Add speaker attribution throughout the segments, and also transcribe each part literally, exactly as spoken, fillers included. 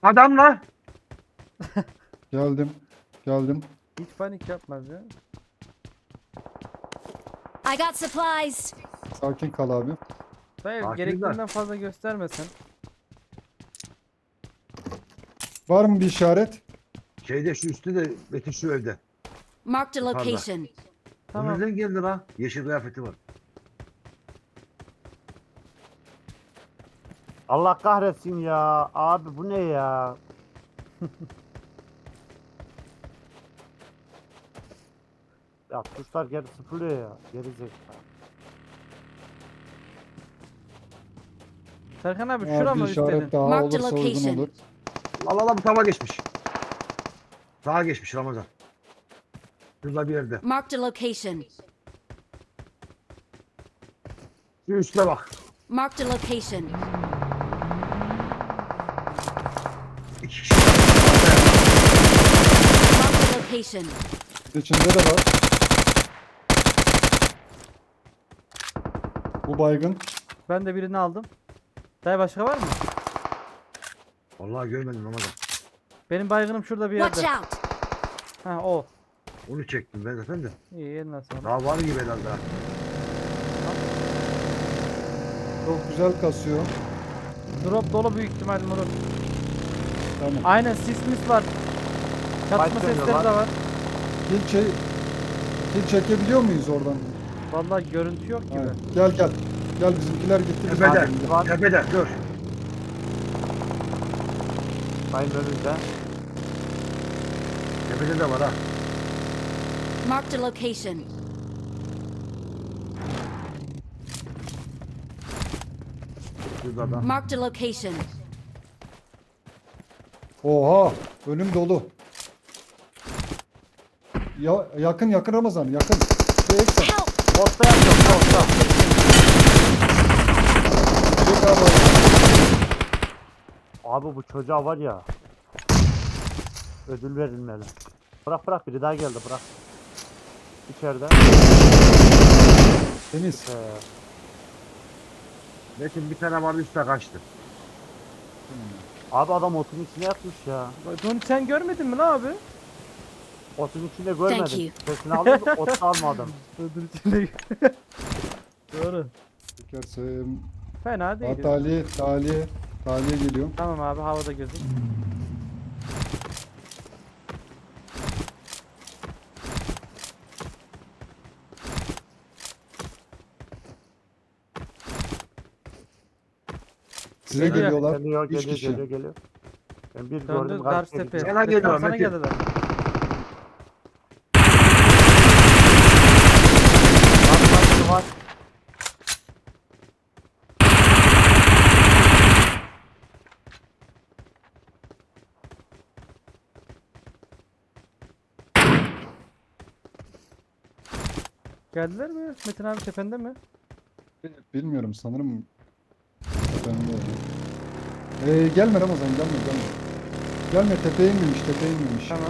Speaker 1: Adam lan.
Speaker 2: Geldim. Geldim.
Speaker 3: Hiç panik yapmaz ya.
Speaker 4: I got supplies.
Speaker 2: Sakin kal abi.
Speaker 3: Dayı
Speaker 1: Sakin
Speaker 3: gerektiğinden fazla göstermesen.
Speaker 2: Var mı bir işaret?
Speaker 1: Şeyde şu üstte de Metin şu evde.
Speaker 4: Marked a
Speaker 1: Yukarıda.
Speaker 4: location.
Speaker 3: Tamam.
Speaker 1: O nereden geldi lan? Yeşil kıyafeti var.
Speaker 5: Allah kahretsin ya. Abi bu ne ya? Ya tuşlar geri sıfırlıyor ya. Geri zekalı.
Speaker 3: Serkan abi
Speaker 2: Eğer
Speaker 3: şura
Speaker 2: bir
Speaker 3: mı
Speaker 2: işaret
Speaker 3: istedin?
Speaker 2: daha
Speaker 4: Mark the
Speaker 2: olursa uygun
Speaker 4: location.
Speaker 2: olur.
Speaker 1: Allah Allah bu tava geçmiş. Sağa geçmiş Ramazan. Şurada bir yerde.
Speaker 4: Marked a location.
Speaker 1: Şu üstte bak.
Speaker 4: Marked a location.
Speaker 1: İki kişi.
Speaker 4: Marked a location.
Speaker 2: İçinde de var. Bu baygın.
Speaker 3: Ben de birini aldım. Dayı başka var mı?
Speaker 1: Vallahi görmedim Ramazan.
Speaker 3: Benim baygınım şurada bir
Speaker 4: Watch
Speaker 3: yerde.
Speaker 4: out.
Speaker 3: Ha o.
Speaker 1: Onu çektim ben zaten de.
Speaker 3: İyi eline sağlık.
Speaker 1: Daha var gibi herhalde. ha.
Speaker 2: Çok güzel kasıyor.
Speaker 3: Drop dolu büyük ihtimal Murat.
Speaker 2: Tamam.
Speaker 3: Aynen sis mis var. Çatışma
Speaker 5: Başka
Speaker 3: sesleri
Speaker 5: ne var?
Speaker 3: de var.
Speaker 2: Kil, çe kil çekebiliyor muyuz oradan?
Speaker 3: Vallahi görüntü yok gibi.
Speaker 2: Ha, gel gel. Gel bizimkiler gitti. biz
Speaker 1: Tepede.
Speaker 2: gidelim.
Speaker 5: var.
Speaker 1: Tepede. Dur.
Speaker 5: Sayın önünde.
Speaker 1: Tepede de var ha.
Speaker 4: Marked a location.
Speaker 1: Şurada da.
Speaker 4: Marked a location.
Speaker 2: Oha. Önüm dolu. Ya, yakın yakın Ramazan yakın. Şu eksen.
Speaker 4: Help.
Speaker 5: Posta yapıyorum posta.
Speaker 2: Çek abi.
Speaker 5: Abi bu çocuğa var ya. Ödül verilmeli. Bırak bırak biri daha geldi bırak. İçeride.
Speaker 2: Temiz.
Speaker 5: Ee,
Speaker 1: Metin bir tane vardı üstte kaçtı.
Speaker 5: abi adam otun içine yatmış ya.
Speaker 3: Bunu sen görmedin mi lan abi?
Speaker 5: Otun içinde
Speaker 4: Thank
Speaker 5: görmedim.
Speaker 4: you.
Speaker 5: Sesini aldım ot almadım.
Speaker 3: Ödül içinde. Doğru.
Speaker 2: Çekersin.
Speaker 3: Fena değil.
Speaker 2: Ha, Taliye, taliye, taliye geliyor.
Speaker 3: Tamam abi havada gözüm.
Speaker 2: Size
Speaker 3: Geliyor.
Speaker 2: geliyorlar.
Speaker 5: Geliyor
Speaker 2: Üç
Speaker 5: geliyor
Speaker 2: kişi.
Speaker 5: geliyor geliyor. Ben bir
Speaker 3: Döndü
Speaker 5: gördüm
Speaker 3: karşı
Speaker 5: karşı
Speaker 3: tepeye.
Speaker 1: Sana geliyor,
Speaker 3: Serkan, sana
Speaker 1: Metin.
Speaker 3: geldiler.
Speaker 5: Karşı var.
Speaker 3: Geldiler mi? Metin abi tepende mi?
Speaker 2: Bilmiyorum sanırım. Ben de- Ee, gelme Ramazan gelme gelme. Gelme tepeye inmemiş tepeye inmemiş.
Speaker 3: Tamam.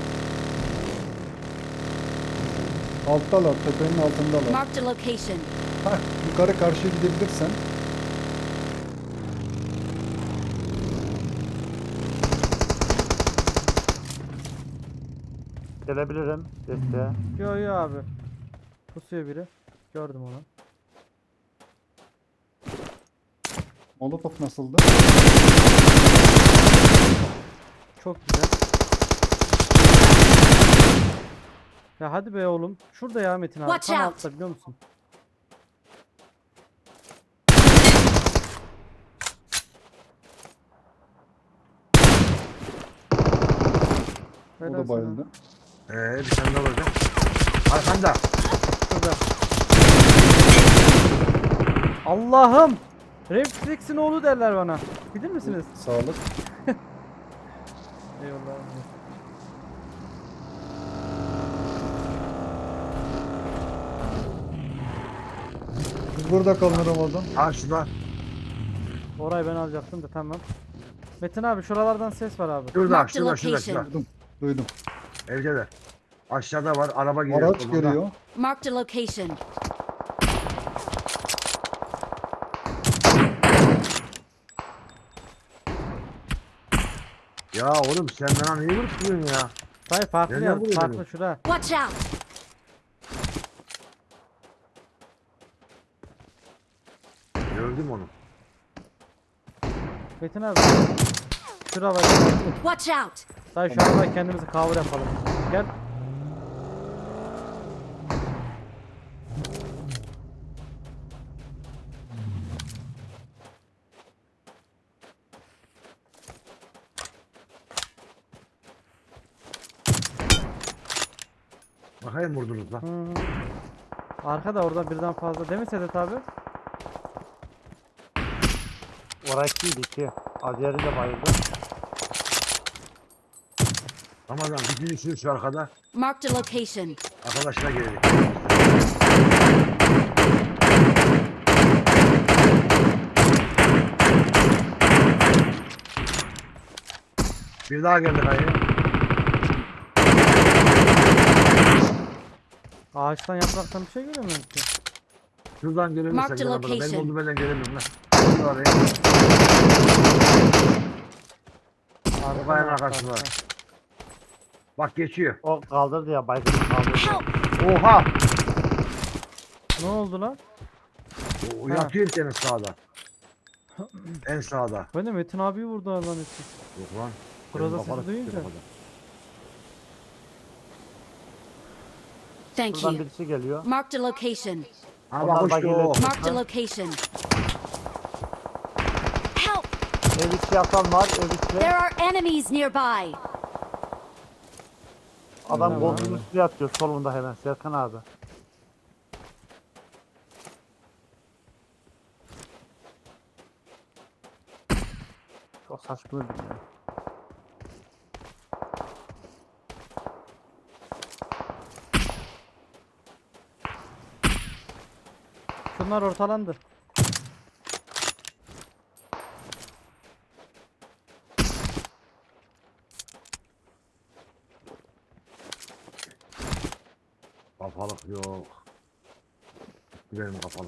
Speaker 2: Alttalar tepenin altındalar.
Speaker 4: Marked a location.
Speaker 2: Hah, yukarı karşıya gidebilirsen.
Speaker 5: Gelebilirim desteğe.
Speaker 3: Yo yo abi. Pusuyor biri. Gördüm onu.
Speaker 2: Molotof nasıldı?
Speaker 3: Çok güzel. Ya hadi be oğlum. Şurada ya Metin abi.
Speaker 4: Watch
Speaker 3: Tam
Speaker 4: out.
Speaker 3: altta biliyor musun?
Speaker 2: O
Speaker 3: Helal
Speaker 2: da
Speaker 3: sana.
Speaker 2: bayıldı.
Speaker 1: Ee bir tane daha var da. Arkanda.
Speaker 3: Şurada. Allah'ım! Reflex'in oğlu derler bana. Bilir misiniz?
Speaker 2: Sağlık.
Speaker 3: Eyvallah.
Speaker 2: Biz burada kalın Ramazan.
Speaker 1: Ha şurada.
Speaker 3: Orayı ben alacaktım da tamam. Metin abi şuralardan ses var abi.
Speaker 1: Şurada.
Speaker 4: Mark the
Speaker 1: Şurada. Şurada.
Speaker 4: location.
Speaker 1: Şurada.
Speaker 2: Duydum. Duydum.
Speaker 1: Evdeler. Aşağıda var. Araba geliyor.
Speaker 2: Araç
Speaker 1: solunda.
Speaker 2: geliyor.
Speaker 4: Marked a location.
Speaker 1: Ya oğlum sen bana niye vuruyorsun ya?
Speaker 3: Dayı farklı
Speaker 1: Nereden
Speaker 3: yer.
Speaker 1: vuruyor
Speaker 3: Farklı
Speaker 1: beni?
Speaker 3: şura.
Speaker 4: Watch out!
Speaker 1: Gördüm onu.
Speaker 3: Metin abi. Şura var.
Speaker 4: Watch out!
Speaker 3: Dayı şu anda kendimizi cover yapalım. Gel.
Speaker 1: Bakayım vurdunuz lan.
Speaker 3: Hı hı. Arkada orada birden fazla. Değil mi Sedat abi?
Speaker 5: Oraya ikiydi iki. Azeri de bayıldı.
Speaker 1: Ramazan ikincisini şu arkada.
Speaker 4: Marked a location.
Speaker 1: Arkadaşlar geldik. Bir daha geldi kayı.
Speaker 3: Ağaçtan yapraktan bir şey göremiyorum ki.
Speaker 1: Şuradan
Speaker 4: Mark
Speaker 1: gelebilirsek
Speaker 4: the
Speaker 1: Ramazan. Benim
Speaker 4: location.
Speaker 1: olduğum yerden gelemiyorum lan. Şurada oraya.
Speaker 3: Arkadan
Speaker 1: kayanın
Speaker 3: attı
Speaker 1: arkasında.
Speaker 3: arkadan.
Speaker 1: Bak geçiyor.
Speaker 5: O kaldırdı ya baygın kaldırdı.
Speaker 4: Help!
Speaker 1: Oha!
Speaker 3: Ne oldu lan?
Speaker 1: O
Speaker 3: Ha.
Speaker 1: yatıyor bir tane sağda. En sağda.
Speaker 3: Ben de Metin abiyi vurdu lan etti.
Speaker 1: Yok lan.
Speaker 3: Groza
Speaker 1: Benim
Speaker 3: sesi
Speaker 1: kafalı
Speaker 3: duyunca.
Speaker 1: tutuyor kafada.
Speaker 4: Thank
Speaker 5: Buradan
Speaker 4: you.
Speaker 5: birisi geliyor.
Speaker 4: Marked a location.
Speaker 1: Ha
Speaker 5: Onlar
Speaker 1: bak hoş
Speaker 5: bagayla
Speaker 1: o.
Speaker 5: çıktı.
Speaker 4: Marked a location. Help!
Speaker 5: Ev içi yatan var ev içi.
Speaker 4: There are enemies nearby.
Speaker 5: Adam
Speaker 3: Tamam.
Speaker 5: koltuğun üstüne yatıyor solunda hemen Serkan abi. Çok saçma öldüm ya.
Speaker 3: Şunlar ortalandı.
Speaker 1: Kafalık yok. Benim kafalık.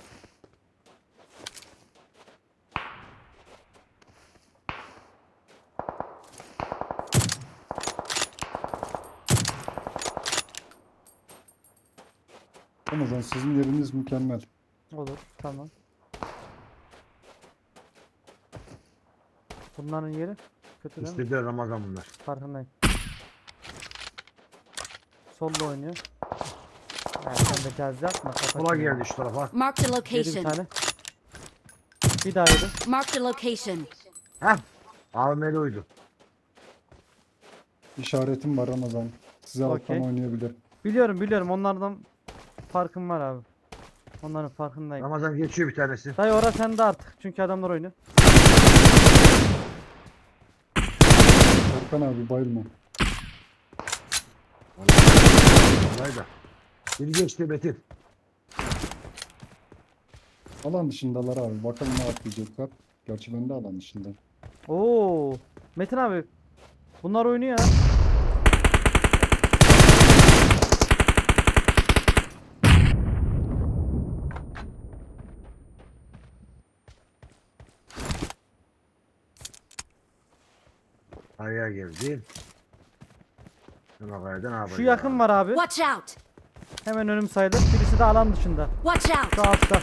Speaker 2: Ramazan sizin yeriniz mükemmel.
Speaker 3: Olur. Tamam. Bunların yeri kötü değil mi?
Speaker 1: İstediler Ramazan bunlar.
Speaker 3: Farkındayım. Solda oynuyor. Yani sen de gaz yapma. kapat
Speaker 1: Kola
Speaker 3: şunu.
Speaker 1: geldi şu tarafa.
Speaker 4: Marked a
Speaker 3: Yedi bir
Speaker 4: location.
Speaker 3: tane. Bir daha yedi.
Speaker 4: Marked a location.
Speaker 1: Heh. A V M'li uydu.
Speaker 2: İşaretim var Ramazan. Size alttan
Speaker 3: Okey.
Speaker 2: oynayabilir.
Speaker 3: Biliyorum biliyorum onlardan farkım var abi. Onların farkındayım.
Speaker 1: Ramazan geçiyor bir tanesi.
Speaker 3: Dayı orası sende artık. Çünkü adamlar oynuyor.
Speaker 2: Serkan abi bayılma.
Speaker 1: Vallahi da. Biri geçti Metin.
Speaker 2: Alan dışındalar abi. Bakalım ne yapacaklar. Gerçi ben de alan dışında.
Speaker 3: Oo, Metin abi. Bunlar oynuyor ya.
Speaker 1: Kayaya geldi. Şuna kayadan ne yapacağız?
Speaker 3: Şu yakın var abi.
Speaker 4: Watch out!
Speaker 3: Hemen önüm sayılır. Birisi de alan dışında.
Speaker 4: Watch out!
Speaker 3: Şu altta.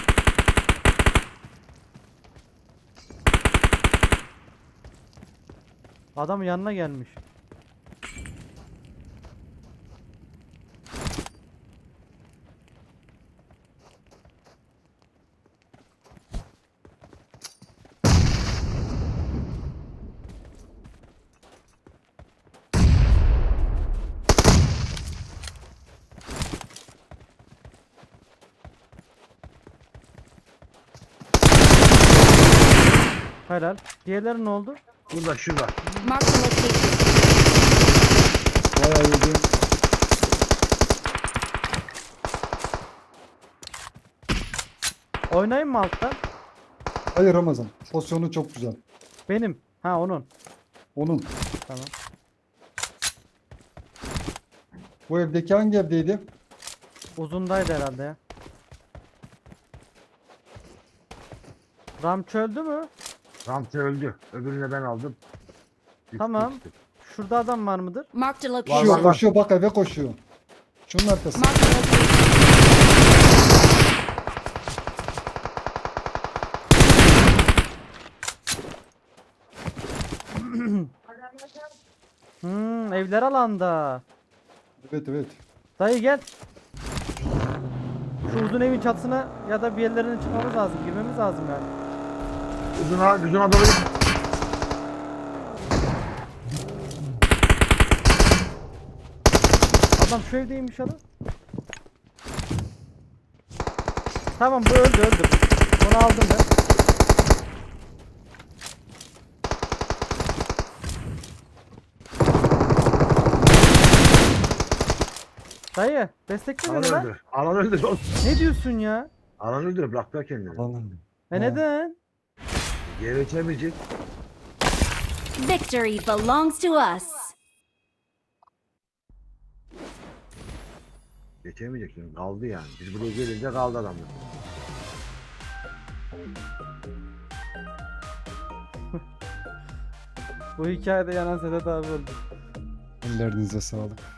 Speaker 3: Adam yanına gelmiş. Helal. Diğerleri ne oldu?
Speaker 1: Burada şurada.
Speaker 4: Marked a location.
Speaker 2: Bayağı yedi.
Speaker 3: Oynayayım mı alttan?
Speaker 2: Hayır Ramazan. Pozisyonu çok güzel.
Speaker 3: Benim. Ha onun.
Speaker 2: Onun.
Speaker 3: Tamam.
Speaker 2: Bu evdeki hangi evdeydi?
Speaker 3: Uzundaydı herhalde ya. Ram çöldü mü?
Speaker 1: Ramsey öldü. Öbürünü ben aldım. Üç,
Speaker 3: Tamam.
Speaker 1: üç, üç.
Speaker 3: Şurada adam var mıdır?
Speaker 4: Marked a
Speaker 1: Var,
Speaker 2: Koşuyor
Speaker 1: var,
Speaker 4: location.
Speaker 1: var.
Speaker 2: koşuyor bak eve koşuyor. Şunun arkası.
Speaker 4: Marked a location.
Speaker 3: Hmm, evler alanda.
Speaker 2: Evet evet.
Speaker 3: Dayı gel. Şu uzun evin çatısına ya da bir yerlerine çıkmamız lazım. Girmemiz lazım yani.
Speaker 1: Uzuna, uzuna doğru git.
Speaker 3: Adam şu evdeymiş adam. Tamam bu öldü öldü. Onu aldım ben. Dayı destekle
Speaker 1: Alan
Speaker 3: beni lan.
Speaker 1: öldü. Alan öldü. oğlum.
Speaker 3: Ne diyorsun ya?
Speaker 1: Alan öldü. Bıraktılar kendini.
Speaker 2: Alalım.
Speaker 3: E
Speaker 2: Ha.
Speaker 3: neden?
Speaker 1: Geri geçemeyecek.
Speaker 4: Victory belongs to us.
Speaker 1: Geçemeyecek şimdi. Kaldı yani. Biz buraya gelince kaldı adamlar.
Speaker 3: Bu hikayede yanan Sedat abi oldu.
Speaker 2: Ellerinize sağlık.